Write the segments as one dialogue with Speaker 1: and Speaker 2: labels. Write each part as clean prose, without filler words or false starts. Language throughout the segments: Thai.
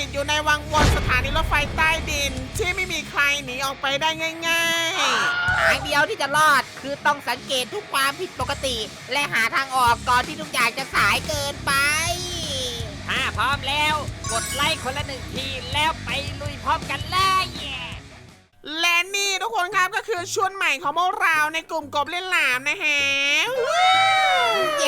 Speaker 1: อยู่ในวังวนสถานีรถไฟใต้ดินที่ไม่มีใครหนีออกไปได้ง่าย
Speaker 2: ทางเดียวที่จะรอดคือต้องสังเกตทุกความผิดปกติ และหาทางออกก่อนที่ทุกอย่างจะสายเกินไป
Speaker 3: ถ้าพร้อมแล้วกดไลค์คนละ1 ทีแล้วไปลุยพร้อมกันเลย
Speaker 1: ๆและนี่ทุกคนครับก็คือชุดใหม่ของพวกเราในกลุ่มกบเล่นหลามนะฮะ
Speaker 2: เย้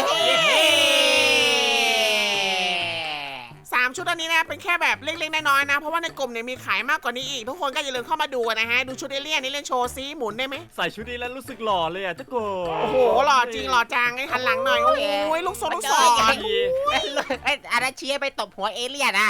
Speaker 1: 3 ชุดอันนี้นะเป็นแค่แบบเล็กๆน้อยๆนะเพราะว่าในกลุ่มเนี่ยมีขายมากกว่านี้อีกทุกคนก็อย่าลืมเข้ามาดูนะฮะดูชุดเอเลี่ยนนี่เล่นโชว์ซิหมุนได้ไหม
Speaker 4: ใส่ชุดนี้แล้วรู้สึกหล่อเลยอ่ะเจ้าโก
Speaker 1: โอ้โหหล่อจริงหล่อจังไอ้หันหลังหน่อยโอ้ยลูกศร
Speaker 4: ดี
Speaker 2: ไอ้อาราเชียไปตบหัวเอเลี่ยนอะ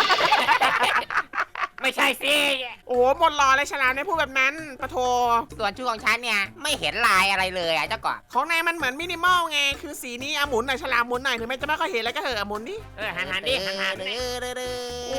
Speaker 3: ไม่ใช่สิ
Speaker 1: โอ้โหหมดหล่อเลยฉลามในพูดแบบนั้นปะโท
Speaker 2: ส่วนชุดของฉันเนี่ยไม่เห็นลายอะไรเลยอะเจ้ากบ
Speaker 1: ของนายมันเหมือนมินิมอลไงคือสีนี้หมุนหน่อยฉลามหมุนหน่อยถึงแม้จะไม่ค่อยเห็นแล้วก็เหอะหมุนดิ
Speaker 3: หันดิหันดิ
Speaker 1: โอ้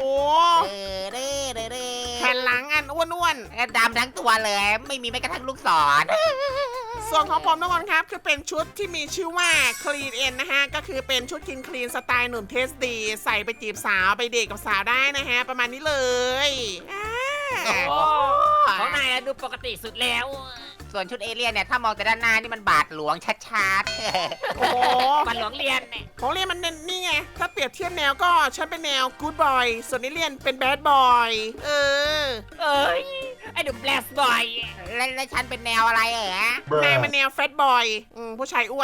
Speaker 2: แผ่
Speaker 1: แผ่นหลังอันอ้วน
Speaker 2: ดำทั้งตัวเลย ไม่มีแม้กระทั่งลูกศร
Speaker 1: ๆส่วนของผมทุกคนครับคือเป็นชุดที่มีชื่อว่า Clean N นะฮะก็คือเป็นชุดคลีนสไตล์หนุ่มเทสดีใส่ไปจีบสาวไปเดทกับสาวได้นะฮะประมาณนี้เลยอ่า
Speaker 3: โอ้ของนายอะดูปกติสุดแล้ว
Speaker 2: ส่วนชุดเอเลี่ยนเนี่ยถ้ามองแต่ด้านหน้านี่มันบาดหลวงชัด
Speaker 1: โอ้โห
Speaker 3: มันหลวงเรียนเนี่ย
Speaker 1: ของเรียนมันนี่ไงถ้าเปรียบเทียบแนวก็ฉันเป็นแนว Good Boy ส่วนนี่เรียนเป็น Bad Boy เออ
Speaker 3: เอ้ยไอ้ดูแบลสบอย
Speaker 2: ๆและฉันเป็นแนวอะไรเหรอ
Speaker 1: นายเป็นแนว Fat Boy ผู้ชายอ้วน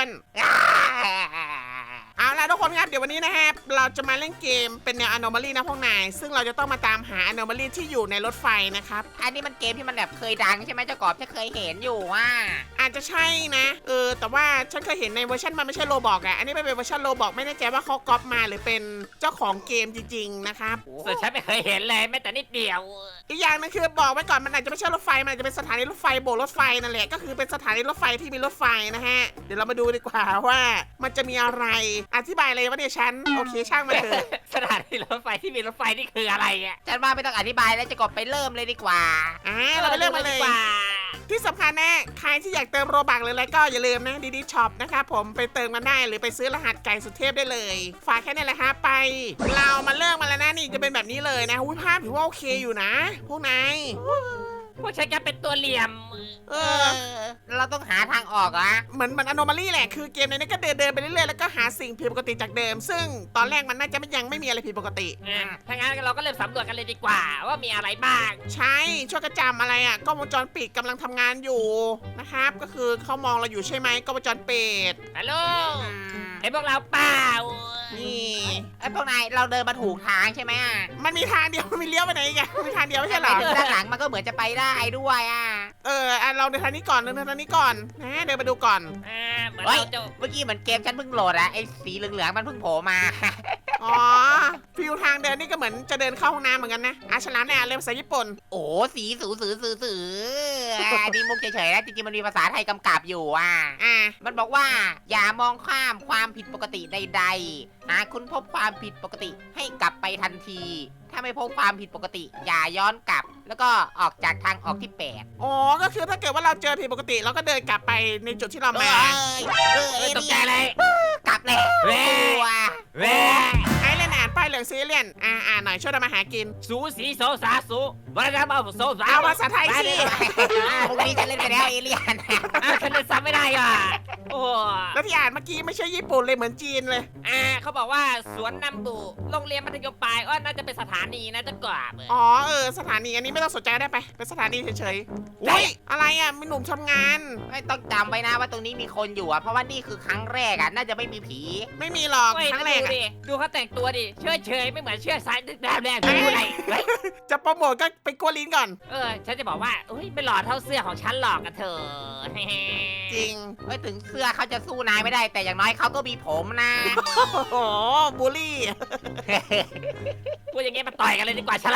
Speaker 1: เอาล่ะทุกคนครับเดี๋ยววันนี้นะครับเราจะมาเล่นเกมเป็นแนว Anomaly นะพวกนายซึ่งเราจะต้องมาตามหา Anomaly ที่อยู่ในรถไฟนะครับ
Speaker 2: อันนี้มันเกมที่มันแบบเคยดังใช่ไหมเจ้ากบฉันเคยเห็นอยู่ว่า
Speaker 1: อาจจะใช่นะแต่ว่าฉันเคยเห็นในเวอร์ชันมันไม่ใช่โลบอกอ่ะอันนี้เป็นเวอร์ชันโลบอกไม่แน่ใจว่าเขาก๊อปมาหรือเป็นเจ้าของเกมจริงๆนะครับ
Speaker 3: ส่วนฉันไม่เคยเห็นเลยแม้แต่นิดเดียว
Speaker 1: อีกอย่างนึงคือบอกไว้ก่อนมันอาจจะไม่ใช่รถไฟมันอาจจะเป็นสถานีรถไฟโบกรถไฟนั่นแหละก็คือเป็นสถานีรถไฟที่มีรถไฟนะฮะเดี๋ยวเรามาดูดีกว่าว่ามันจะมีอะไรอธิบายเลยว่าเนี่ยฉันโอเคช่างมาเถอะ
Speaker 3: สถานีรถไฟที่มีรถไฟนี่คืออะไรอ่ะ
Speaker 2: ฉันว่าไม่ต้องอธิบายแล้วเจะกบไปเริ่มเลยดีกว่า
Speaker 1: เราไปเริ่มกันเลย
Speaker 3: ดีกว่า
Speaker 1: ที่สำคัญนะใครที่อยากเติมโรบักหรืออะไรก็อย่าลืมนะดีช็อปนะครับผมไปเติมกันได้หรือไปซื้อรหัสไก่สุดเทพได้เลยฝากแค่นี้แหละฮะไป เรามาเริ่มมาแล้วนะนี่จะเป็นแบบนี้เลยนะภาพถือว่าโอเคอยู่นะ พวกนาย
Speaker 3: พวกฉันก็เป็นตัวเหลี่ยม
Speaker 2: เราต้องหาทางออกอะ
Speaker 1: เหมือนAnomaly แหละคือเกมในนี้ก็เดินไปเรื่อยๆแล้วก็หาสิ่งผิดปกติจากเดิม ซึ่งตอนแรกมันน่าจะยังไม่มีอะไรผิดปกติ
Speaker 3: ถ้างั้นเราก็เริ่มสำรวจกันเลยดีกว่าว่ามีอะไรบ้าง
Speaker 1: ใช่ช่วยกระจำอะไรอ่ะกล้องวงจรปิดกำลังทำงานอยู่นะครับก็คือเขามองเราอยู่ใช่ไหมกล้องวงจรปิด
Speaker 3: ฮัลโหลไอ้พวกเราเปล่า
Speaker 1: นี่
Speaker 2: ไอ้พวกนายเราเดินมาถูกทางใช่ไหมอะ
Speaker 1: มันมีทางเดียวมันมีเลี้ยวไปไหนอีกันมีทางเดียวไม่ใช่เหร
Speaker 2: ไป
Speaker 1: อ
Speaker 2: ถึงด้านหลังมันก็เหมือนจะไปได้ด้วยอะ
Speaker 1: เราเดินทางนี้ก่อนเดินทางนี้ก่อนนะเดินมาดูก่อน
Speaker 3: เหมือน
Speaker 2: เฮ้ย
Speaker 3: เราจะ
Speaker 2: เมื่อกี้เหมือนเกมฉันเพิ่งโหลดอะไอ้สีเหลืองๆมันเพิ่งโผล่มา
Speaker 1: อ๋อฟิวทางเดินนี่ก็เหมือนจะเดินเข้าห้องน้ำเหมือนกันนะฉลามเนี่ยเรียนภาษาญี่ปุ่น
Speaker 2: โอ้สีสืออันนี้มุกเฉยๆนะจริงๆมันมีภาษาไทยกำกับอยู่อ่ะ
Speaker 1: อ่ะ
Speaker 2: มันบอกว่าอย่ามองข้ามความผิดปกติใดๆหากคุณพบความผิดปกติให้กลับไปทันที ถ้าไม่พบความผิดปกติ อย่าย้อนกลับ แล้วก็ออกจากทางออกที่ 8
Speaker 1: อ๋อก็คือถ้าเกิดว่าเราเจอผิดปกติเราก็เดินกลับไปในจุดที่เรามา
Speaker 3: ตกใจเลย
Speaker 2: กลับเลย
Speaker 3: แว่
Speaker 2: ตัว
Speaker 3: แว่
Speaker 1: ไอ้เล่นอ่านป้ายเหลืองซีเรียนอ่านหน่อยช่วยทำมาหากิน
Speaker 3: สูสีโซสาสูวันนั้นเอาโซสา
Speaker 1: เอาภาษาไทยสิ
Speaker 2: พรุ่งนี้ฉันเล่นไปแล้วเอเลี่ยน
Speaker 3: ฉันเลยซ้ำไม่ได้อ่ะโอ้
Speaker 1: แล้วที่อ่านเมื่อกี้ไม่ใช่ญี่ปุ่นเลยเหมือนจีนเลย
Speaker 3: เขาบอกว่าสวนนำบุโรงเรียนมัธยมปลายน่าจะเป็นสถานีนะจะกว่า
Speaker 1: อ๋อสถานีอันนี้ไม่ต้องสนใจก็ได้ไปเป็นสถานีเฉยๆอุ้ยอะไรอ่ะมีหนุ่มทำงาน
Speaker 2: ไม่ต้องจำไว้นะว่าตรงนี้มีคนอยู่อ่ะเพราะว่านี่คือครั้งแรกอ่ะน่าจะไม่มีผี
Speaker 1: ไม่มีหรอกครั้งแรก
Speaker 3: ดู
Speaker 1: อ่ะ
Speaker 3: ดิดูเขาแต่งตัวดิเฉยไม่เหมือนเชื่อสายแดงดูอะไร
Speaker 1: จะโปรโมทก็ไปกลัวลิ้นก่อน
Speaker 3: ฉันจะบอกว่าไม่หล่อเท่าเสื้อของฉันหรอกกันเธอ
Speaker 1: จริง
Speaker 2: เอ้ยถึงเสื้อเขาจะสู้นายไม่ได้ แต่อย่างน้อยเขาก็มีผมนะ
Speaker 1: โอ้โหบูลลี่
Speaker 3: พูดอย่างเงี้ยมาต่อยกันเลยดีกว่าฉลาม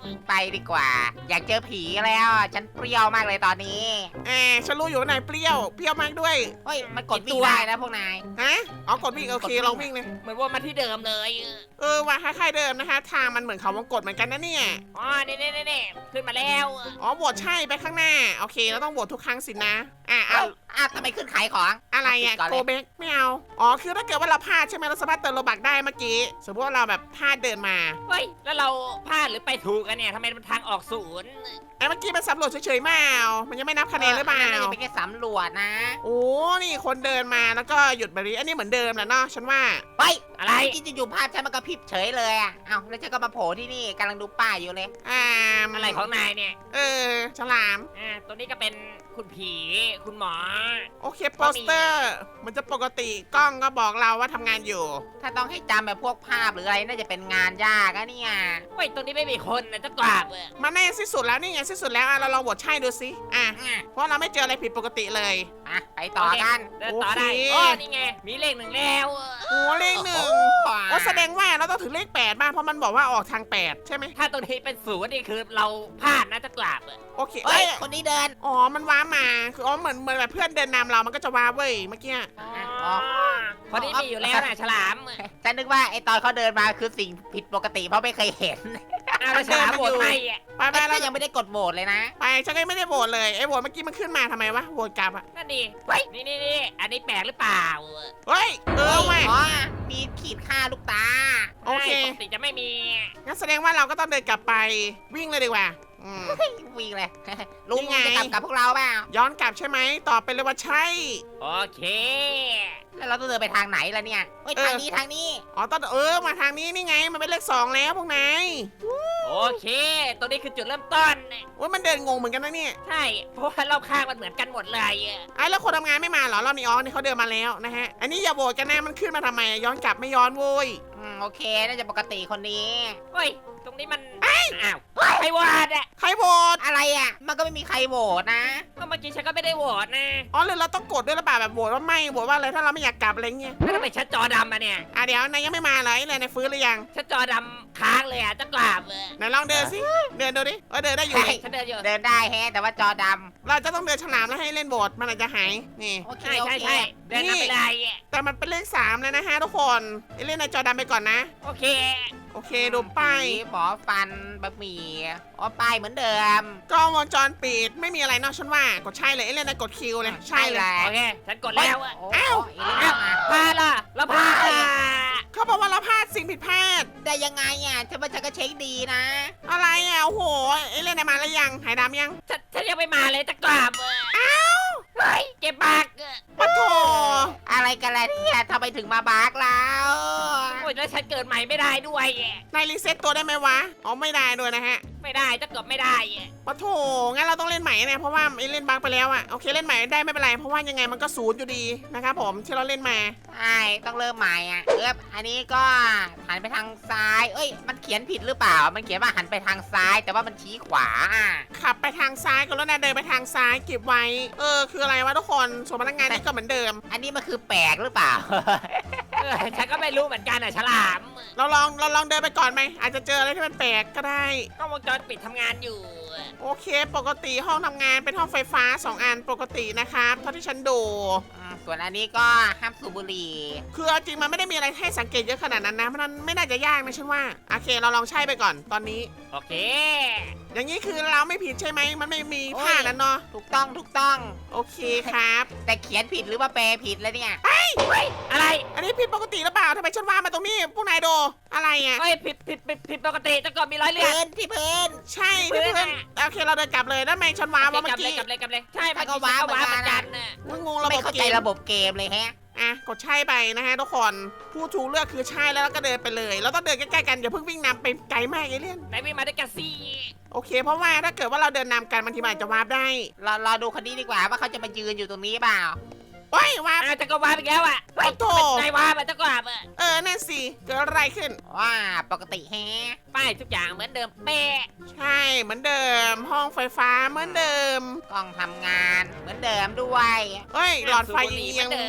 Speaker 2: ไปดีกว่า อยากเจอผีแล้ว ฉันเปรี้ยวมากเลยตอนนี้
Speaker 1: ฉันรู้อยู่ว่านายเปรี้ยวมากด้วย
Speaker 2: เฮ้ย มันกดวิ่งได้นะพวกนาย
Speaker 1: ฮะอ๋อกดวิ่งโอเคลองวิ่งเลย
Speaker 3: เหมือนว่ามาที่เดิมเลย
Speaker 1: ว่าคล้ายๆเดิมนะคะทางมันเหมือนเขาวงกดเหมือนกันนะเนี่ย
Speaker 3: อ๋อนี่ขึ้นมาแล้ว
Speaker 1: อ๋อโหวตใช่ไปข้างหน้าโอเคเราต้องโหวตทุกครั้งสินะ
Speaker 2: ทำไมขึ้นขายของ
Speaker 1: อะไรอ่ะ
Speaker 2: ปิดก่อน
Speaker 1: โก
Speaker 2: เลย
Speaker 1: เบกไม่เอาอ๋อคือถ้าเกิดว่าเราพลาดใช่ไหมเราสามารถเติมโลบักได้เมื่อกี้สมมติว่าเราแบบพลาดเดินมา
Speaker 3: เฮ้ยแล้วเราพลาดหรือไปถูกกันเนี่ยทำไมมันทางออกศูนย์
Speaker 1: เมื่อกี้มันสำรวจเฉยๆมามันยังไม่นับคะแนนหรือเปล่า
Speaker 2: น่าจะเป็นแค่สำรวจนะ
Speaker 1: โอ้นี่คนเดินมาแล้วก็หยุดแบบนี้อันนี้เหมือนเดิมแหละเนาะฉันว่า
Speaker 2: เฮ้ย
Speaker 3: อะไร
Speaker 2: เมื่อกี้อยู่ๆภาพฉันมันก็พริบเฉยเลยอ่ะ เอ้าแล้วฉันก็มาโผล่ที่นี่กำลังดูป้ายอยู่เลย
Speaker 3: อะไรของนายเนี่ย
Speaker 1: ฉลาม
Speaker 3: ตัวนี้ก็เป็นคุณผีคุณหมอ
Speaker 1: โอเคโปสเตอร์ มันจะปกติกล้องก็บอกเราว่าทำงานอยู่
Speaker 2: ถ้าต้องให้จำแบบพวกภาพหรืออะไรน่าจะเป็นงานยากอะเนี่ย
Speaker 3: เฮ้ยตรงนี้ไม่มีคนนะจะกราบ
Speaker 1: มันแน่สิ้นสุดแล้วนี่ไงสิ้นสุดแล้วเราลองโหวตใช่ดูสิเพราะเราไม่เจออะไรผิดปกติเลย
Speaker 2: ไปต่อกัน
Speaker 3: เดินต่อได้
Speaker 1: โอเค
Speaker 3: โอ้นี่ไงมีเลขหนึ่งแล้ว
Speaker 1: โอ้เลขหนึ่งโอ้แสดงว่าเราต้องถึงเลข8บ้างเพราะมันบอกว่าออกทาง8ใช่ไหม
Speaker 3: ถ้าตรงนี้เป็นศูนย์นี่คือเราพลาดนะจะกราบ
Speaker 1: โอเค
Speaker 2: เฮ้ย คนนี้เดิน
Speaker 1: อ๋อมันว้ามาคือเหมือนแบบเพื่อนเดินนำเรามันก็จะว้าเว้ยเมื่อกี้
Speaker 3: คนนี้มีอยู่แล้วนะฉลาม
Speaker 2: ฉันนึกว่าไอตอนเขาเดินมาคือสิ่งผิดปกติเพราะไม่เคยเห็น
Speaker 3: แล้วฉลามโหวตไม่
Speaker 1: ไป
Speaker 2: ก็
Speaker 1: เรา
Speaker 2: ยังไม่ได้กดโหวตเลยนะ
Speaker 1: ไปฉันก็ไม่ได้โหวตเลยไอ้โหวตเมื่อกี้มันขึ้นมาทำไมวะโหวตกลับอ่ะ
Speaker 3: นั่นดินี่อันนี้แปลกหรือเปล่า
Speaker 1: เฮ้ยว่ะ
Speaker 2: อ๋อ มีขีดค่าลูกตา
Speaker 1: โอเค
Speaker 3: ปกติจะไม่มี
Speaker 1: งั้นแสดงว่าเราก็ต้องเดินกลับไปวิ่งเลยดีกว่าอืม
Speaker 2: วิ่งเลย ลุง
Speaker 1: นี่ไง
Speaker 2: จะกลับกับพวกเราเปล่า
Speaker 1: ย้อนกลับใช่ไหมตอบไปเลยว่าใช่
Speaker 3: โอเค
Speaker 2: แล้วเราต้องเดินไปทางไหนล่ะเนี่ยเฮ้ยทางนี้
Speaker 1: อ๋อต้องมาทางนี้นี่ไงมันเป็นเลข2แล้วพวกนาย
Speaker 3: โอเคตรงนี้คือจุดเริ่มต้น
Speaker 1: ว่ามันเดินงงเหมือนกันนะเนี่ย
Speaker 3: ใช่เพราะว่ารอบข้างมันเหมือนกันหมดเลย
Speaker 1: ไอ้แล้วคนทำงานไม่มาเหรอรอบนี้อ๋อนี่เขาเดินมาแล้วนะฮะอันนี้อย่าโหวตกันนะมันขึ้นมาทำไมย้อนกลับไม่ย้อนโว้ย
Speaker 2: โอเค น่าจะปกติคนนี้
Speaker 3: เฮ้ยตรงนี้มันอ้าวใครวาดอ่ะ
Speaker 1: ใครโหวต
Speaker 2: อะไรอ่ะ มันก็ไม่มีใครโหวตนะ
Speaker 3: ก็เมื่อกี้ฉันก็ไม่ได้โหวตนะ
Speaker 1: อ๋อหรือเราต้องกดด้วยหรือเปล่าแบบโหวตว่าไม่โหวตว่าอะไรถ้าเราไม่อยากกลับอะไรเงี้ย
Speaker 3: แล้วทำไมฉันจอดำอ่ะเนี่ย
Speaker 1: เดี๋ยวนายยังไม่มาเลยนายฟื้นหรือยัง
Speaker 3: ฉันจอดำค้างเลยอ่ะจะกราบ
Speaker 1: ไหนลองเดินสิเดินดูดิเดินได้อยู่
Speaker 2: ใช่
Speaker 1: นี่
Speaker 3: ฉันเดินอยู่
Speaker 2: เดินได้แฮะแต่ว่าจอด
Speaker 1: เราจะต้องเดินฉลามแล้วให้เล่นโหวตมันอาจจะหายนี่
Speaker 2: ำโอเค
Speaker 3: ใช่
Speaker 2: โอ
Speaker 3: ใช่
Speaker 2: เค
Speaker 3: ใช่เดินนำไปเลย
Speaker 1: แต่มันเป็นเลข3เลยนะฮะทุกคนเล่นในจอดำไปก่อนนะ
Speaker 3: โอเค
Speaker 1: โอเคดูป้าย
Speaker 2: หมอฟันบะหมี่อ๋อป้ายเหมือนเดิม
Speaker 1: กล้องวงจรปิดไม่มีอะไรนอกฉันว่ากดใช่เลยเล่นในกดคิวเลยใช่เลย
Speaker 3: โอเคฉันกดแล้วอะ
Speaker 2: โอ้
Speaker 1: อ้าว
Speaker 2: เอเลี่ยนมา
Speaker 3: พลาดล่ะแล้วพลาดอ่ะ
Speaker 1: เขาบอกว่าเราพลาดสิ่งผิดพลาด
Speaker 2: ได้ยังไงอ่ะฉันว่าฉันก็เช็คดีนะ
Speaker 1: อะไรโอ้โหเล่นในมาแล้วยังหายดำยัง
Speaker 3: ฉันยังไม่มาเลยจะกราบอ้าวเฮ้ยเจ็บปาก
Speaker 1: ปะโถ
Speaker 2: อะไรกันล่ะเนี่ยทำไมถึงมาบาร์กแล้ว
Speaker 3: โอ้ยแล้วฉันเกิดใหม่ไม่ได้ด้วย
Speaker 1: นายรีเซ็ตตัวได้ไหมวะอ๋อไม่ได้ด้วยนะฮะ
Speaker 3: ไม่ได้จะกดไม่ได้
Speaker 1: ปะโถงั้นเราต้องเล่นใหม่เนี่ยเพราะว่าเล่นบั๊กไปแล้วโอเคเล่นใหม่ได้ไม่เป็นไรเพราะว่ายังไงมันก็ศูนย์อยู่ดีนะครับผมที่เราเล่นมา
Speaker 2: ใช่ต้องเริ่มใหม่อ่ะอันนี้ก็หันไปทางซ้าย เอ้ย มันเขียนผิดหรือเปล่า มันเขียนว่าหันไปทางซ้าย แต่ว่ามันชี้ขวาอ่ะ
Speaker 1: ขับไปทางซ้ายก็แล้วนะเดินไปทางซ้ายเก็บไว้คืออะไรวะทุกคนส่วนพนักงานนี่ก็เหมือนเดิม
Speaker 2: อันนี้มันคือแปลกหรือเปล่า
Speaker 3: ฉันก็ไม่รู้เหมือนกันฉลาม
Speaker 1: เราลองเดินไปก่อนไหมอาจจะเจออะไรที่มันแปลกก็ได้
Speaker 3: กล้องวงจรปิดทำงานอยู่
Speaker 1: โอเค ปกติห้องทำงานเป็นห้องไฟฟ้า2อันปกตินะครับเท่าที่ฉันดู
Speaker 2: ส่วนอันนี้ก็ห้ามสูบบุหรี่
Speaker 1: คือเอาจริงมันไม่ได้มีอะไรให้สังเกตเยอะขนาดนั้นนะมันไม่น่าจะยากนะฉันว่าโอเคเราลองใช่ไปก่อนตอนนี้
Speaker 3: โอเค
Speaker 1: อย่างนี้คือเราไม่ผิดใช่ไหมมันไม่มีท่านั้นเนาะ
Speaker 2: ถูกต้อง
Speaker 1: โอเคครับ
Speaker 2: แต่เขียนผิดหรือว่าแปลผิดแล้วเนี่ย
Speaker 3: อะไร
Speaker 1: อันนี้ผิดปกติหรือเปล่าทำไมฉันว่ามาตรงนี้พวกนายดูอะไรอ่ะ
Speaker 3: เฮ้ยผิดปกติจะกดมีรอยเลือด
Speaker 2: ที่พื้น
Speaker 1: ใช่ที่เพื่อนโอเคเราเดินกลับเลยแล้วทำไมฉันว้าว่าเมื่อกี้
Speaker 3: กลับเลยใช่เมื่อกี้ฉันก็ว้าเหมือนกัน
Speaker 1: งงระ
Speaker 2: ไม่
Speaker 1: บบ
Speaker 2: เข้า
Speaker 1: เก
Speaker 2: ใจ
Speaker 1: ม
Speaker 2: ระบบเกมเลยแฮะ
Speaker 1: กดใช่ไปนะฮะทุกคนผู้ถูกเลือกคือใช่แล้วก็เดินไปเลยเราต้องเดินใกล้ๆกันอย่าเพิ่งวิ่งนำไปไกลมากเอเลี่ยน
Speaker 3: ไหนวิ่งมาด้วยกันสิ
Speaker 1: โอเค เพราะว่าถ้าเกิดว่าเราเดินนำกันบางทีมันอาจจะวาร์ปได้
Speaker 2: เราดูคนนี้ดีกว่าว่าเขาจะมายืนอยู่ตรงนี้เปล่า
Speaker 1: โอ้ยวาร์ป
Speaker 3: จะก็ว้าไปแล้วเฮ้ยนายว้าจะกราบ
Speaker 1: นั่นสิเกิดอะไรขึ้น
Speaker 2: ว่าปกติแฮะ
Speaker 3: ป้ายทุกอย่างเหมือนเดิมเป๊ะ
Speaker 1: ใช่เหมือนเดิม ห้องไฟฟ้าเหมือนเดิม
Speaker 2: กล้องทำงานเหมือนเดิมด้วย
Speaker 1: เฮ้ยหลอดไฟ
Speaker 3: สูบบุหรี่
Speaker 1: เอียง
Speaker 3: เหมือนเดิม
Speaker 1: อ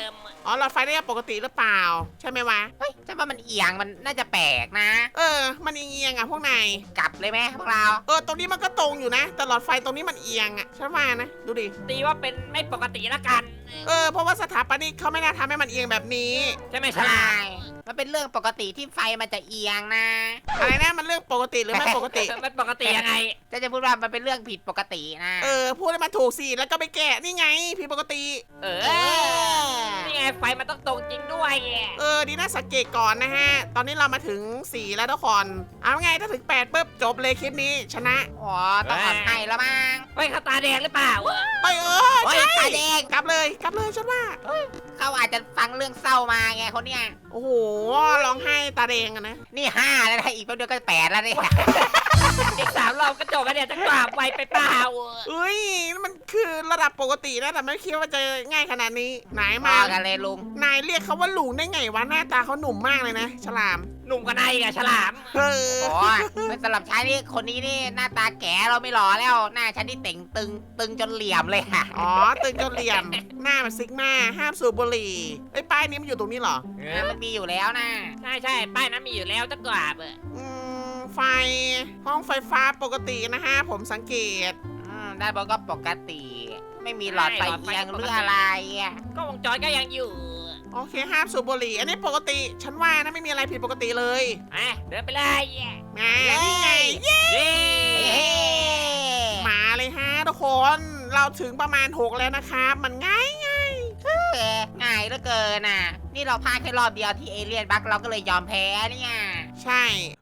Speaker 1: อ๋อหลอดไฟได้ปกติหรือเปล่า ใช่ไหมวะ
Speaker 2: เฮ้ยฉันว่ามันเอียงมันน่าจะแปลกนะ
Speaker 1: มันเอียงๆอ่ะพวกนาย
Speaker 2: กลับเลยไหมพวกเรา
Speaker 1: ตรงนี้มันก็ตรงอยู่นะ แต่หลอดไฟตรงนี้มันเอียงอ่ะฉันว่านะ ดูดิ
Speaker 3: ตีว่าเป็นไม่ปกติละกัน
Speaker 1: เพราะว่าสถาปนิกเขาไม่น่าทำให้มันเอียงแบบนี้
Speaker 3: ใช่ไหมฉ
Speaker 2: ใช่
Speaker 3: ลาม
Speaker 2: มันเป็นเรื่องปกติที่ไฟมันจะเอียงนะ
Speaker 1: อะไรนะมันเรื่องปกติหรือไม่ปกติ
Speaker 3: มันปกติยังไง
Speaker 2: จะพูดว่ามันเป็นเรื่องผิดปกตินะ
Speaker 1: พูดให้มันถูกสิแล้วก็ไปแกะนี่ไงผิดปกติ
Speaker 3: เอ
Speaker 2: เอ
Speaker 3: อ
Speaker 2: อ
Speaker 3: นี่ไงไฟมันต้องตรงจริงด้วย
Speaker 1: ดีน่าสังเกตก่อนนะฮะ ตอนนี้เรามาถึง4แล้วทุกคน เอาไงถ้าถึง8ปุ๊บจบเลยคลิปนี้ชนะ
Speaker 2: อ๋อต้องอ่อนให้แล้วมั้ง
Speaker 3: เฮ้ยเขาตาแดงหรือเปล่า
Speaker 1: เอ้ย
Speaker 2: โอ้ย
Speaker 1: ใช่
Speaker 2: ตาแดง
Speaker 1: กลับเลยฉันว่า
Speaker 2: เขาอาจจะฟังเรื่องเศร้ามาไงคนเนี้ย
Speaker 1: โอ้โหร้องไห้ตาแดงอะนะ
Speaker 2: นี่5แล้วนะอีกแป๊บเดียวก็8แล้วเนี่ย
Speaker 3: อีก3 รอบก็จบแล้วเนี่ยจะกราบไวไปเปล่า
Speaker 1: เอ้ยนี่มันคือระดับปกตินะแต่ไม่คิดว่าจะง่ายขนาดนี้ไหน
Speaker 2: มา
Speaker 1: มา
Speaker 2: กันเลยลุง
Speaker 1: นายเรียกเขาว่าลุงได้ไงวะหน้าตาเขาหนุ่มมากเลยนะ ฉลาม
Speaker 3: หนุ่มกว่าในกับฉลาม
Speaker 1: เออ
Speaker 2: โอ้ยสำหรับฉันนี่คนนี้นี่หน้าตาแก่เราไม่หล่อแล้ว หน้าฉันนี่เต่งตึงจนเหลี่ยมเลยค่ะ
Speaker 1: อ๋อตึงจนเหลี่ยม หน้ามันซิกมาห้ามสูบบุหรี่ไอ้ยป้ายนี้มันอยู่ตรงนี้เหรอ
Speaker 2: มันมีอยู่แล้วนะ
Speaker 3: ใช่ป้ายนั้นมีอยู่แล้วจะกราบ
Speaker 1: ไฟห้องไฟฟ้าปกตินะฮะผมสังเกต
Speaker 2: ด้านบนก็ปกติ ไม่มีหลอดไฟเอียงหรืออะไรอ่ะ
Speaker 3: ก็วงจรก็ยังอยู่
Speaker 1: โอเคห้ามสูบบุหรี่อันนี้ปกติ ฉันว่านะไม่มีอะไรผิดปกติเลย
Speaker 3: เดินไปเลย
Speaker 1: นี่ไงเย้
Speaker 3: เย้
Speaker 2: เฮ้
Speaker 1: มาเลยฮะทุกคน เราถึงประมาณ6แล้วนะครับมันง่าย
Speaker 2: ง่ายเหลือเกินน่ะ นี่เราพลาดแค่รอบเดียวที่เอเลี่ยนบักเราก็เลยยอมแพ้เนี่ย
Speaker 1: ใช่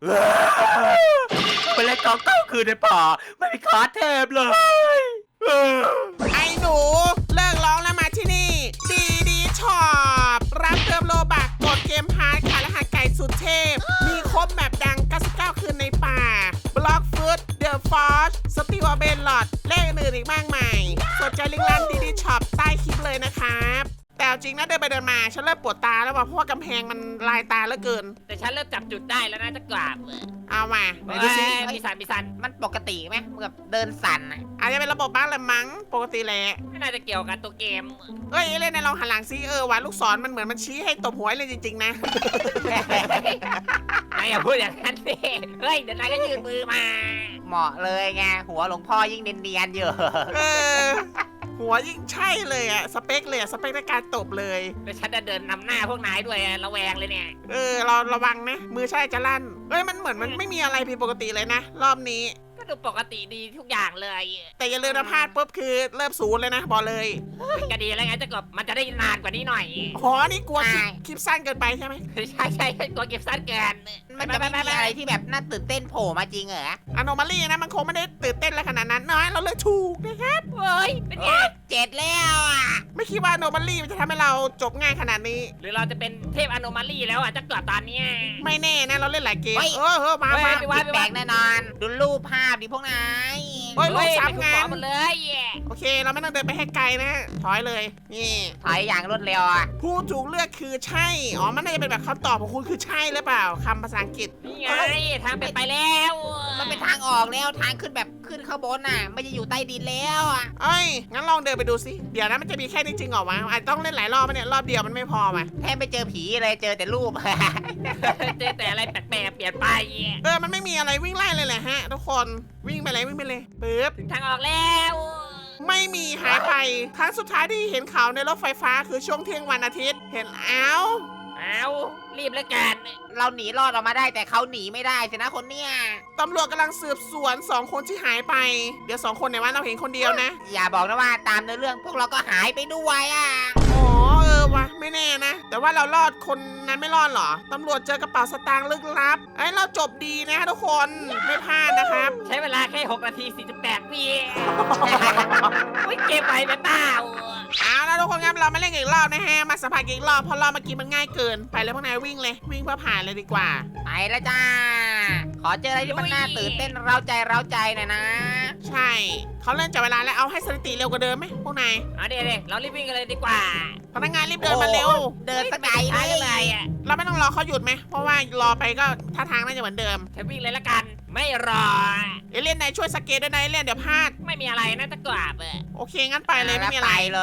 Speaker 4: ไปเล่นกองเต้าคืนในป่าไม่มีคาเทพเลย
Speaker 1: ไอ้หนูเลิกร้องแล้วมาที่นี่ดีช็อปรับเติมโลบักกดเกมพาร์ทขายรหัสไก่สุดเทพ มีครบแบบดัง 99 คืนในป่า บล็อกฟุตเดอะฟอร์สติวเบนลอดเลขอื่นอีกมากมายสนใจลิงก์ร้านดีช็อปใต้คลิปเลยนะครับ แต่เอาจริงนะเดินไปเดินมา ฉันเริ่มปวดตาแล้วว่ะเพราะว่ากำแพงมันลายตาเหลือเกิน
Speaker 3: แต่ฉันเริ่มจับจุดได้แล้วนะจะกราบ
Speaker 1: เอามาไหนดูสิ
Speaker 3: มีสัน
Speaker 2: มันปกติไหมเหมือนกับเดินสั่นน่ะ
Speaker 1: อาจจะเป็นระบบบ้างแหละมั้งปกติแหละ
Speaker 3: ไม่น่าจะเกี่ยวกับตัวเกม
Speaker 1: เอ้ยเล่นในลองหันหลังซิว่ะลูกศรมันเหมือนมันชี้ให้ตบหัวเลยจริงๆนะ
Speaker 3: นายอย่าพูดอย่างนั้นสิเฮ้ยเดี๋ยวนายก็ยืนมือมา
Speaker 2: เหมาะเลยไงหัวหลวงพ่อยิ่งเนียนๆอยู่
Speaker 1: เออ หัวยิ่งใช่เลยอะสเปคเลยอะสเปคในการตบเลย
Speaker 3: แล้วฉันจะเดินนำหน้าพวกนายด้วยระแวงเลยเนี่ย
Speaker 1: เราระวังนะ มือใช่จะลั่นเอ้ยมันเหมือนมันไม่มีอะไรผิดปกติเลยนะ รอบนี้
Speaker 3: ก็ดูปกติดีทุกอย่างเลย
Speaker 1: แต่อย่าลืมนะพลาดปุ๊บคือเริ่มศูนย์เลยนะบอกเลย
Speaker 3: ก็ดีแล้วไงจะกบมันจะได้นานกว่านี้หน่อย
Speaker 1: อ๋อนี่กลัวคลิปสั้นเกินไปใช่ไหม
Speaker 3: ใช่ตัวเก็บสั้นเกิน
Speaker 2: มันจะไม่มีอะไรที่แบบน่าตื่นเต้นโผล่มาจริงเหรอ
Speaker 1: อโนมาลี่นะมันคงไม่ได้ตื่นเต้นอะไรขนาดนั้นน้อยเราเลยถูกนะครับ
Speaker 3: เฮ้ยเป็นไง
Speaker 2: 7แล้วอ่ะ
Speaker 1: ไม่คิดว่าอโนมาลี่มันจะทำให้เราจบง่ายขนาดนี้
Speaker 3: หรือเราจะเป็นเทพอโนมาลีแล้วจะกลับตอนเนี้ย
Speaker 1: ไม่แน่นะเราเล่นหลายเกมมา
Speaker 3: ไม่ว่า
Speaker 2: แปลกแน่นอน ดูรูปภาพดิพวกนาย
Speaker 1: เฮ้ยลูกสามงาน
Speaker 3: หมดเลย
Speaker 1: โอเค เราไม่ต้องเดินไปให้ไกลนะถอยเลยนี่
Speaker 2: ถอยอย่างรวดเร็วอ่ะ
Speaker 1: ผู้ถูกเลือกคือใช่อ๋อมันน่าจะเป็นแบบคำตอบของคุณคือใช่หรือเปล่าคำภาษาอังกฤษ
Speaker 3: นี่ไงทางเป็นไปแล้ว
Speaker 2: มันเป็นทางออกแล้วทางขึ้นแบบขึ้นข้างบนน่ะ ไม่จะอยู่ใต้ดินแล้วอ่ะ
Speaker 1: เอ้ยงั้นลองเดินไปดูสิเดี๋ยวนะมันจะมีแค่นี้จริงเหรอวะอาจจะต้องเล่นหลายรอบไหมเนี่ยรอบเดียวมันไม่พอว่ะ
Speaker 2: แทบไม่เจอผีเลยเจอแต่รูป
Speaker 3: เจอแต่อะไรแปลกๆเปลี่ยนไป
Speaker 1: มันไม่มีอะไรวิ่งไล่เลยแหละฮะทุกคนวิ่งไปเลยปึ๊บ
Speaker 3: ถึงทางออกแล้ว
Speaker 1: ไม่มีหายไปครั้งสุดท้ายที่เห็นข่าวในรถไฟฟ้าคือช่วงเที่ยงวันอาทิตย์เห็นอ้าว
Speaker 3: เอารีบแล้วกัน
Speaker 2: เราหนีรอดออกมาได้แต่เขาหนีไม่ได้สินะคนเนี้ย
Speaker 1: ตำรวจกำลังสืบสวน2คนที่หายไปเดี๋ยว2คนในว่าเราเห็นคนเดียวนะ
Speaker 2: อย่าบอกนะว่าตามเนื้อเรื่องพวกเราก็หายไปด้วยอ่ะ
Speaker 1: อ๋อวะไม่แน่นะ แต่ว่าเรารอดคนนั้นไม่รอดเหรอตำรวจเจอกระเป๋าสตางค์ลึกลับไอ้เราจบดีนะทุกคนไม่พลาดนะครับ
Speaker 3: ใช้เวลาแค่6 นาที 48 วิไม่เก็บไว้ไปเปล่า
Speaker 1: เอาแล้วทุกคนครับเรามาเล่นกันอีกรอบนะฮะมาสัมผัสกันอีกรอบเพราะรอบเมื่อกี้มันง่ายเกินไปเลยพวกนายวิ่งเลยวิ่งเพื่อผ่านเลยดีกว่า
Speaker 2: ไปแล้วจ้า ขอเจออะไรที่มันน่าตื่นเต้นเร้าใจหน่อยนะ
Speaker 1: ใช่เขาเริ่มจับเวลาแล้วเอาให้สถิติเร็วกว่าเดิมไหมพวกนาย
Speaker 3: เดี๋ยวเรารีบวิ่งกันเลยดีกว่า
Speaker 1: พนักงานรีบเดินมาเร็ว
Speaker 2: เดินสกาย
Speaker 3: ช้า
Speaker 2: เล
Speaker 3: จังเลย
Speaker 2: ย
Speaker 1: เราไม่ต้องรอเขาหยุดไหมเพราะว่ารอไปก็ท่าทางน่าจะเหมือนเดิม
Speaker 3: ฉันวิ่งเลยละกัน ไม่รอ
Speaker 1: เอเลี่ยนนายช่วยสเกตด้วยนะเอเลี่ยนเดี๋ยวพลาด
Speaker 3: ไม่มีอะไรนะตะกราบ
Speaker 1: โอเคงั้นไปเลยไม่มีอะไร
Speaker 2: ไปเลย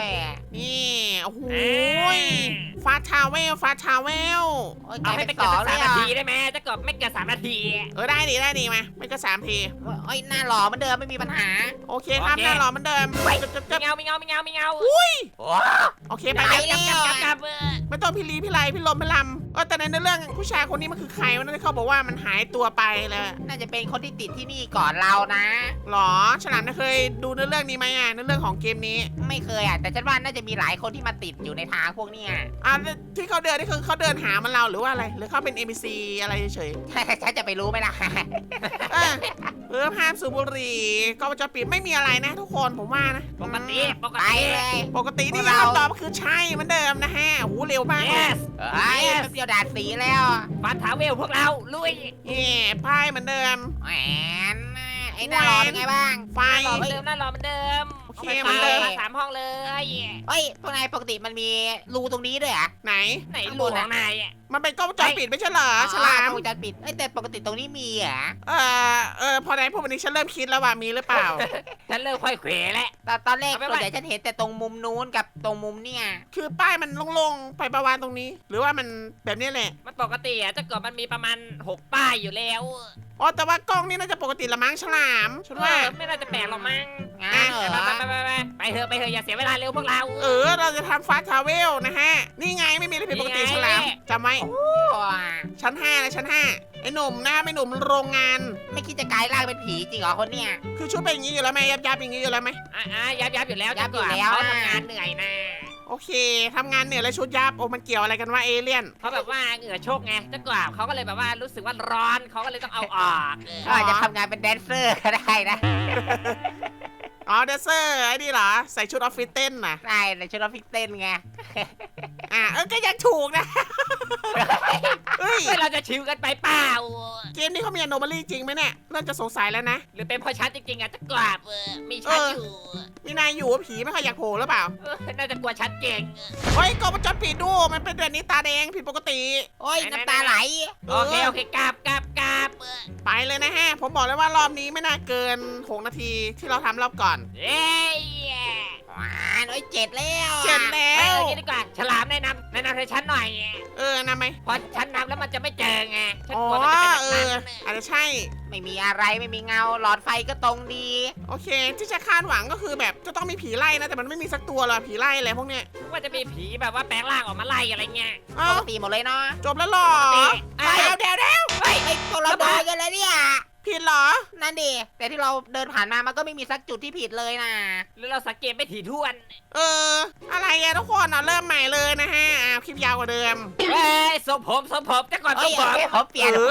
Speaker 1: นี่โอ้โห
Speaker 3: อ่า
Speaker 1: ฟาทาวเวลฟาทาวเวล
Speaker 2: โอ้ย
Speaker 3: เอาให้
Speaker 2: ไป
Speaker 3: ไม่
Speaker 2: ส
Speaker 3: เกิน
Speaker 2: องเล
Speaker 3: สาย ม
Speaker 2: เหร
Speaker 3: นา
Speaker 2: อ
Speaker 3: ทีได้ไหมตะกราบไม่เกิน3 นาที
Speaker 1: ได้ดีมาไม่ก็3 ที
Speaker 2: โอ้ยหน้าหล่อเหมือนเดิมไม่มีปัญหา
Speaker 1: โอเคครับ
Speaker 3: โอเค
Speaker 1: หน้ารอเหมือนเดิม
Speaker 3: ไม่
Speaker 1: จึ๊บ
Speaker 3: เงาไม่เงาไม่เงาไม่เงา
Speaker 2: โอ้
Speaker 1: โอเคไป
Speaker 2: ไป
Speaker 1: เลย
Speaker 2: แล้ว
Speaker 3: กลับ
Speaker 1: ไม่ต้องพี่ลีพี่ไรพี่ลมพี่ลำแต่ในเรื่องผู้ชายคนนี้มันคือใครวะนั่นเขาบอกว่ามันหายตัวไปแล้ว
Speaker 2: น่าจะเป็นคนที่ติดที่นี่ก่อนเรานะ
Speaker 1: หรอฉลามเคยดูเรื่องนี้ไหมเรื่องของเกมนี้
Speaker 2: ไม่เคยอ่ะแต่ฉันว่าน่าจะมีหลายคนที่มาติดอยู่ในทางพวกเนี้ย
Speaker 1: ที่เขาเดินนี่คือเขาเดินหามันเราหรือว่าอะไร หรือเขาเป็น NPC อะไรเฉย
Speaker 2: ฉันจะไปรู้ไหมล่ะ
Speaker 1: ๆห้ามสูบบุหรี่ก็จะปิดไม่มีอะไรนะทุกคนผมว่านะ
Speaker 3: ปกติปก
Speaker 2: ไป
Speaker 3: ติ
Speaker 2: เลย
Speaker 1: ปกตินี่
Speaker 2: พวกเรา
Speaker 1: คำตอบคือใช่เหมือนเดิมนะฮะโหเร็วมาก
Speaker 3: yes
Speaker 2: เฮ้ยแป๊บเดียวด่านสีแล้ว
Speaker 3: ฟันทาเวลพวกเราลุย
Speaker 1: พ่ายเหมือนเดิม
Speaker 2: แหมไอ้หน้ารอเป็นไงบ้าง
Speaker 1: ไฟ
Speaker 3: หล่อเหมือนเดิมน่าหล่อเหมือนเดิม
Speaker 1: โอเค
Speaker 3: า
Speaker 1: เหมือนเดิม
Speaker 3: มา3 ห้องเลย
Speaker 2: เฮ้ยพวกนายปกติมันมีรูตรงนี้ด้วยเหรอ่ะ
Speaker 1: ไหน
Speaker 3: ไหนรูของนาย
Speaker 1: มันเป็นกล้องวงจรปิดไม่ใช่เหรอฉลาม
Speaker 2: วงจรปิดแต่ปกติตรงนี้มีเหรอ
Speaker 1: พอไหนพวกวันนี้ฉันเริ่มคิดแล้วว่ามีหรือเปล่า
Speaker 3: ฉันเริ่มค่อยเขวแล้ว
Speaker 2: ตอนแรก
Speaker 3: เอาไป
Speaker 2: ส่วนใหญ่ฉันเห็นแต่ตรงมุมนู้นกับตรงมุมเนี่ย
Speaker 1: คือป้ายมันโล่งๆไปประวานตรงนี้ หรือว่ามันแบบนี้แหละ
Speaker 3: มันปกติอ่ะถ้าเกิดมันมีประมาณ6 ป้ายอยู่แล้ว
Speaker 1: แต่ว่ากล้องนี่น่าจะปกติละมั้งฉลามฉันว่า
Speaker 3: ไม่น่าจะแปลกหรอกมั้ง
Speaker 2: งั้นเหรอ
Speaker 3: ไปเถอะอย่าเสียเวลาเร็วพวกเรา
Speaker 1: เราจะทำฟาสทาวเวลนะฮะ นี่ไงไม่มีอะไรผิดปกติฉลามจำไว้ ชั้น 5 นะชั้น 5 ไอ้หนุ่มนะไอ้หนุ่มโรงงาน
Speaker 2: ไม่คิดจะกลายร่างเป็นผีจริงเหรอคนเนี่ย
Speaker 1: คือชุดเป็นอย่างนี้อยู่แล้วไหมยับอย่างนี้อยู่แล้วไหม
Speaker 3: ยับอยู่แล้ว
Speaker 2: ยับอยู่
Speaker 3: ถ้าเกิด
Speaker 2: แล้ว
Speaker 3: เขา
Speaker 2: นะ
Speaker 3: ทำงานเหนื่อยนะ
Speaker 1: โอเคทำงานเหนื่อยแล้วชุดยับมันเกี่ยวอะไรกันว่าเอเลี่ยน
Speaker 3: เขาแบบว่าเหงื่อโชกไงถ้าเกิดเขาก็เลยแบบว่ารู้สึกว่าร้อนเขาก็เลยต้องเอาออก
Speaker 2: เขาอาจจะทำงานเป็นแดนเซอร์ก็ได้นะ
Speaker 1: เดซเซอร์ไอ้นี่เหรอใส่ชุดออฟฟิศเต้นนะ
Speaker 2: ได้ในชุดออฟฟิศเต้นไง
Speaker 1: ก็ยังถูกนะ เฮ้ย
Speaker 3: เราจะชิวกันไปเปล่า
Speaker 1: เกมนี้เขามีอโนมาลีจริงไหมเนี่ยเริ่มจะสงสัยแล้วนะ
Speaker 3: หรือเป็นเพราะชัดจริงๆอ่ะจะกราบมีชัดอยู่
Speaker 1: มีนายอยู่ว่าผีไม่ค่อยอยากโผล่หรือเปล่า
Speaker 3: น่าจะกลัวชัดเก่ง
Speaker 1: เฮ้ยกล้องวงจรปิดดูมันเป็นแบบนี้ตาแดงผิดปกติ
Speaker 2: โอ้ยน้ำตาไหล
Speaker 3: โอเคกราบ
Speaker 1: ไปเลยนะฮะ ผมบอกเลยว่ารอบนี้ไม่น่าเกิน6 นาทีที่เราทำรอบก่อน
Speaker 3: เอ้ย
Speaker 2: โอ้ย7แล้ว
Speaker 1: เจ็ดแล้ว
Speaker 3: ไปดีกว่าฉลามแนะนำให้ฉันหน่อย
Speaker 1: นะไหม
Speaker 3: พอฉันนำแล้วมันจะไม่เจอไงฉัน
Speaker 1: อ๋อก
Speaker 3: ลัวมันจะเป็นแบบนั้น
Speaker 1: อาจจะใช่
Speaker 2: ไม่มีอะไรไม่มีเงาหลอดไฟก็ตรงดี
Speaker 1: โอเค ที่จะคาดหวังก็คือแบบจะต้องมีผีไล่นะ แต่มันไม่มีสักตัวหรอกผีไล่อะไรพวกเนี้ย
Speaker 3: ว่าจะมีผีแบบว่าแปลงร่างออกมาไล่อะไรเงี้ย
Speaker 1: เอ้า
Speaker 2: ปกติหมดเลยเนาะ
Speaker 1: จบแล้วหรอ
Speaker 3: เอ้ย
Speaker 1: เดี๋ยว
Speaker 2: ไอ้พวกเราโดนกันแล้วเนี่ย
Speaker 1: ผิดเหรอ
Speaker 2: นั่นดิแต่ที่เราเดินผ่านมามันก็ไม่มีสักจุดที่ผิดเลยนะ
Speaker 3: หรือเราสังเกตไม่ถี่ถ้วน
Speaker 1: อะไรอะทุกคนเริ่มใหม่เลยนะฮะคลิปยาวกว่าเดิม
Speaker 3: เฮ้ยสมผมแต่ก่อนส
Speaker 2: เฮ้ย
Speaker 3: มผม
Speaker 2: เขาเปลี่ยน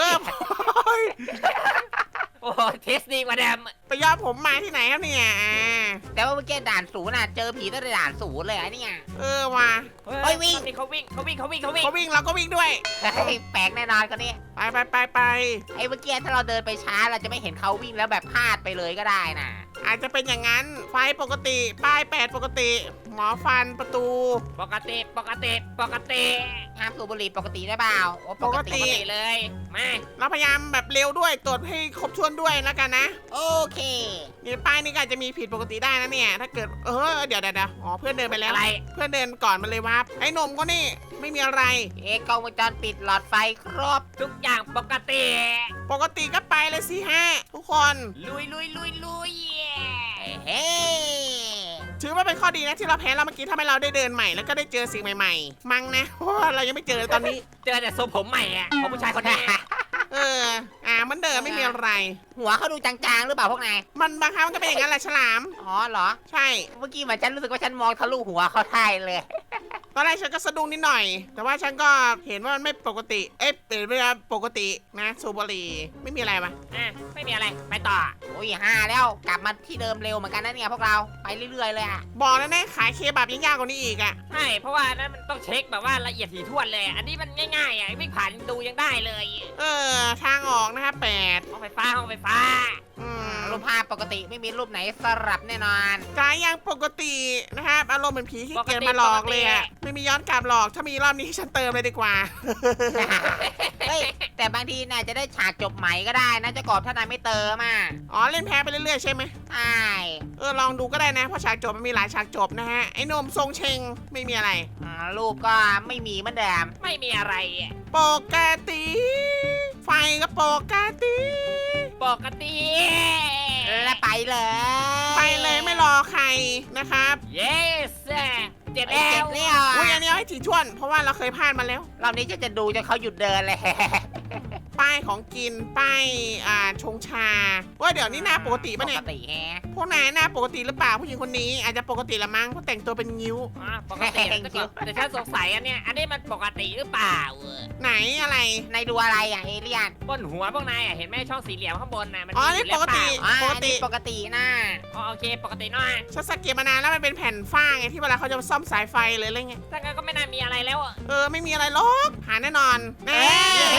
Speaker 3: โอ้โหเทสดีกว่าเดิม
Speaker 1: ไปย้อมผมมาที่ไหนครับเนี่ย
Speaker 2: แต่ว่าเมื่อกี้ด่านศูนย์น่ะเจอผีตั้งแต่ด่านศูนย์เลยอะเนี่ย
Speaker 1: ว่ะ
Speaker 2: เฮ้ยวิ่ง
Speaker 3: เขาวิ่ง
Speaker 1: เขาวิ่งเราก็วิ่งด้วย
Speaker 2: เฮ้ยแปลกแน่นอนคนนี้
Speaker 1: ไป
Speaker 2: ไอ้เมื่อกี้ถ้าเราเดินไปช้าเราจะไม่เห็นเขาวิ่งแล้วแบบพลาดไปเลยก็ได้นะ
Speaker 1: อาจจะเป็นอย่างนั้น ไฟปกติ ป้าย8ปกติ หมอฟันประตู
Speaker 3: ปกติ
Speaker 2: ห้ามสูบบุหรี่ปกติได้เปล่าโอ้ปกติ
Speaker 3: เลยมา
Speaker 1: เราพยายามแบบเร็วด้วยตรวจให้ครบถ้วนด้วยแล้วกันนะ
Speaker 2: โอเค
Speaker 1: นี่ป้ายนี่ก็อาจจะมีผิดปกติได้นะเนี่ย ถ้าเกิดเดี๋ยวเพื่อนเดินไปแล้ว
Speaker 3: อะไร
Speaker 1: เพื่อนเดินก่อนมันเลยวับไอ้หนุ่มก็นี่ไม่มีอะไร
Speaker 2: กล้องวงจรปิดหลอดไฟครบ
Speaker 3: ทุกอย่างปกติ
Speaker 1: ปกติก็ไปเลยสิฮะทุกคน
Speaker 3: ลุย
Speaker 2: เฮ้
Speaker 1: ถือว่าเป็นข้อดีนะที่เราแพ้เราเมื่อกี้ทำให้เราได้เดินใหม่แล้วก็ได้เจอสิ่งใหม่ๆ มั้งนะเพราะว่าเรายังไม่เจอตอนนี้
Speaker 3: เจอแต่ทรงผมใหม่อ่ะของผู้ชายคนนี้
Speaker 1: เหมันเดิมไม่มีอะไร
Speaker 2: หัวเขาดูจางๆหรือเปล่าพวกนาย
Speaker 1: มันบางครั้งมันก็เป็นอย่างนั้นแหละฉลาม
Speaker 2: อ๋อเหรอ
Speaker 1: ใช่
Speaker 2: เมื่อกี้เหมือนฉันรู้สึกว่าฉันมองทะลุหัวเขาได้เลย
Speaker 1: ตอนแรกฉันก็สะดุ้งนิดหน่อย แต่ว่าฉันก็เห็นว่ามันไม่ปกติ เป็นเวลาปกตินะสูบบุหรี่ไม่มีอะไรปะ
Speaker 3: ไม่มีอะไรไปต่อ
Speaker 2: โอ้ย5แล้วกลับมาที่เดิมเร็วเหมือนกันนะเนี่ยพวกเราไปเรื่อยๆเลยอะ
Speaker 1: บอกแล้วนะขายเคบับยังยากกว่านี้อีกอ่ะ
Speaker 3: ใช่เพราะว่านั้นมันต้องเช็คแบบว่าละเอียดถี่ถ้วนเลย อันนี้มันง่ายๆอ่ะวิ่งผ่านดูยังได้เลย
Speaker 1: เออทางออกนะครับ8
Speaker 3: ห้องไฟฟ้าห้องไฟฟ้า
Speaker 2: รูปภาพปกติไม่มีรูปไหนสลับแน่นอน
Speaker 1: กายยังปกตินะครับอารมณ์เหมือนผีที่เกียจมาหลอกเลยอะไม่มีย้อนกลับหลอกถ้ามีรอบนี้ฉันเติมเลยดีกว่า
Speaker 2: เฮ้ยแต่บางทีน่าจะได้ฉากจบใหม่ก็ได้นะเจะกอบถ้านายไม่เติมอ่ะ
Speaker 1: อ๋อเล่นแพ้ไปเรื่อยๆใช่ไหม
Speaker 2: ใช่
Speaker 1: ลองดูก็ได้นะเพราะฉากจบมันมีหลายฉากจบนะฮะไอ้หนมทรงเชงไม่มีอะไร
Speaker 2: รูปก็ไม่มีเหมือนเดิม
Speaker 3: ไม่มีอะไร
Speaker 1: ปกติ ไฟก็ปกติ
Speaker 3: ปกติ
Speaker 2: และไปเลย
Speaker 1: ไปเลยไม่รอใครนะครับ
Speaker 3: yes เจ็ด
Speaker 2: เจ็
Speaker 3: แล้
Speaker 2: บ
Speaker 3: ว
Speaker 2: แล้ว
Speaker 1: อุ้ย
Speaker 2: อ่ะ
Speaker 1: อันนี้เอาให้ถี่ถ้วน เพราะว่าเราเคยพลาดมาแล้ว
Speaker 2: รอบนี้จะดูจนเขาหยุดเดินเลย
Speaker 1: ป้ายของกินป้ายชงชาว่าเดี๋ยวนี้หน้าปกติ
Speaker 2: ป
Speaker 1: ปะ
Speaker 2: ก
Speaker 1: เนี่ย
Speaker 2: ติแฮะ
Speaker 1: พวกนายหน้าปกติหรือเปล่าผู้หญิงคนนี้อาจจะปกติละมั้งเพราะแต่งตัวเป็นงิ้ว
Speaker 3: ปกติแต่ฉันสงสัยอันเนี้ยอันนี้มันปกติหรือเปล่า
Speaker 1: ไหนอะไร
Speaker 2: นายดูอะไรอ่ะเอเลียน
Speaker 3: บนหัวพวกนายเห็นไหมช่องสี่เหลี่ยมข้างบนน่ะมัน
Speaker 1: อ๋อนี่ปกติ
Speaker 2: อ๋อ
Speaker 1: ปก
Speaker 2: อัน
Speaker 1: ติ
Speaker 2: นี้ปกตินะ
Speaker 3: โอเคปกติหน่อย
Speaker 1: ฉันสังเกตมานานแล้วมันเป็นแผ่นฝ้าไงที่เวลาเขาจะซ่อมสายไฟเลยอะไรเงี้ย
Speaker 3: ถ้างั้นก็ไม่น่ามีอะไรแล้ว
Speaker 1: ไม่มีอะไรหรอกหาแน่นอนแน่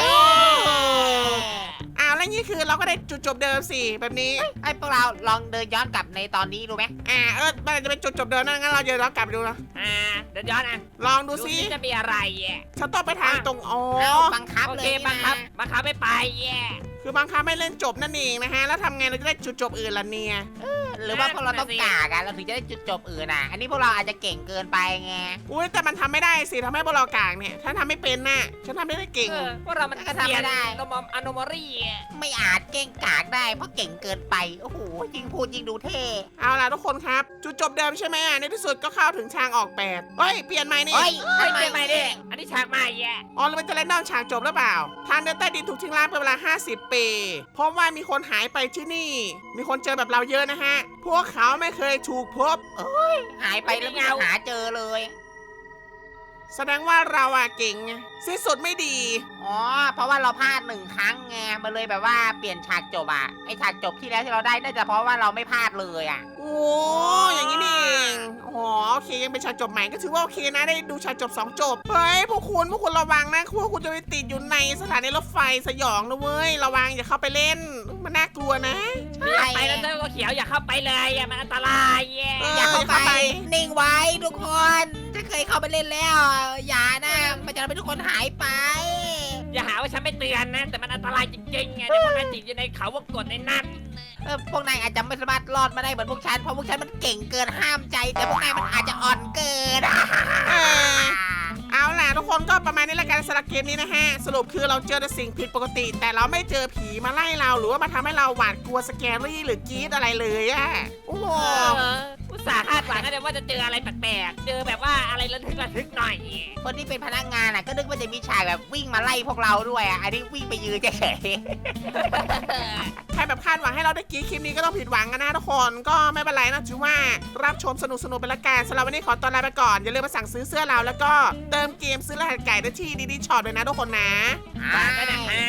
Speaker 1: อ้าวแล้วนี่คือเราก็ได้จุดจบเดิมสิแบบนี้
Speaker 2: ไอ้พวกเราลองเดินย้อนกลับในตอนนี้ดูไหม
Speaker 1: มันอาจจะเป็นจุดจบเดิมนั่นงั้นเราเดี๋ยวเรากลับไปดูนะ
Speaker 3: เดี๋ยวย้อนนะ
Speaker 1: ลองดูสิ
Speaker 3: จะมีอะไร
Speaker 1: ฉันต้องไปทางตรงอ๋อ
Speaker 2: เอาบังคับ
Speaker 3: โอ
Speaker 2: เล
Speaker 3: เค
Speaker 2: ย
Speaker 3: บังคับ
Speaker 2: นะ
Speaker 3: บังคับไม่ไป
Speaker 1: คือบางครั้งไม่เล่นจบนั่นเองนะฮะแล้วทำไงเราจะได้จุดจบอื่นล่ะเนี่ย
Speaker 2: หรือว่าพวกเราต้องกากอะเราถึงจะได้จุดจบอื่นอ่ะ อันนี้พวกเราอาจจะเก่งเกินไปไง
Speaker 1: อุ้ยแต่มันทำไม่ได้สิทำให้พวกเรากางเนี่ยฉันทำไม่เป็นน่ะฉันทำไม่ได้เก่ง
Speaker 3: พวกเรามัน
Speaker 2: ก็ทำไม่ได้
Speaker 3: อโนมอรี่
Speaker 2: ไม่อาจเก่งกากได้เพราะเก่งเกินไป โอ้โหยิงพูดยิงดูเท่
Speaker 1: เอาล่ะทุกคนครับจุดจบเดิมใช่ไหมในที่สุดก็เข้าถึงทางออก8เฮ้ยเปลี่ยนใหม่นี่
Speaker 2: เฮ้ย
Speaker 3: เปลี่ยนใหม่ดิอันนี้ฉากใหม่
Speaker 1: อ๋อแล้วมันจะเล่นนอกฉากจบหรือเปล่า ทางเดินใต้ดินถูกทิ้งร้างเป็นเวลา50 ปีเพราะว่ามีคนหายไปที่นี่ มีคนเจอแบบเราเยอะนะฮะพวกเขาไม่เคยถูกพบ
Speaker 2: หายไปแล้วไม่หาเจอเลย
Speaker 1: แสดงว่าเราเก่งไงสิ้นสุดไม่ดี
Speaker 2: อ๋อ เพราะว่าเราพลาด1 ครั้งไงมันเลยแบบว่าเปลี่ยนฉากจบอ่ะ ไอฉากจบที่แล้วที่เราได้น่าจะเพราะว่าเราไม่พลาดเลยอ่ะ
Speaker 1: โอ้อย่างนี้นี่เองอ๋อโอเคยังเป็นฉากจบใหม่ก็ถือว่าโอเคนะได้ดูฉากจบ2 จบเฮ้ยพวกคุณระวังนะพวกคุณจะไปติดอยู่ในสถานีรถไฟสยองนะเว้ยระวังอย่าเข้าไปเล่นมันน่ากลัวนะ
Speaker 3: ไปแล้วเจ้าตัวเขียวอย่าเข้าไปเลยมันอันตราย
Speaker 2: อย่าเข้าไป นิ่งไว้ทุกคนจะเคยเข้าไปเล่นแล้ว อย่านะมันจะทำให้ทุกคนหายไป
Speaker 3: อย่าหาว่าฉันไม่เตือนนะแต่มันอันตรายจริงๆไงเดี๋ยวพวกนายติดอยู่ในเขาวงกฏในนั้น
Speaker 2: พวกนายอาจจะไม่สามารถรอดมาได้เหมือนพวกฉันเพราะพวกฉันมันเก่งเกินห้ามใจ แต่พวกนายมันอาจจะอ่อนเกิน
Speaker 1: เออ เอาล่ะทุกคนก็ประมาณนี้ละกันสำหรับเกมนี้นะฮะสรุปคือเราเจอแต่สิ่งผิดปกติ แต่เราไม่เจอผีมาไล่เราหรือว่ามาทำให้เราหวาดกลัวสแกรี่หรือกรี๊ดอะไรเลยอะโอ้โห
Speaker 3: อุตส่าห์คาดหวังกันว่าจะเจออะไรแปลกๆเจอแบบว่าอะไรระทึกหน่อย
Speaker 2: คนที่เป็นพนักงานก็นึกว่าจะมีฉากแบบวิ่งมาไล่พวกเราด้วยอันนี้วิ่งไปยืนเฉย
Speaker 1: ใครแบบคาดหวังให้เราได้กรี๊ดคลิปนี้ก็ต้องผิดหวังกันนะทุกคนก็ไม่เป็นไรนะถือว่ารับชมสนุกๆไปละกันสำหรับวันนี้ขอตัวลาไปก่อนอย่าลืมมาสั่งซื้อเสื้อเราแล้วก็เติมเกมซื้อรหัสไก่ได้ที่ดีๆช็อปเลยนะทุกคนนะ
Speaker 2: ๆ
Speaker 3: ฝากด้วยนะครับ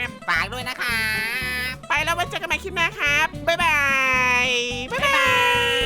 Speaker 2: ฝากด้วยนะคะ
Speaker 1: ไปแล้วไว้เจอกันใหม่คลิปหน้าครับบ๊ายบายบ๊ายบาย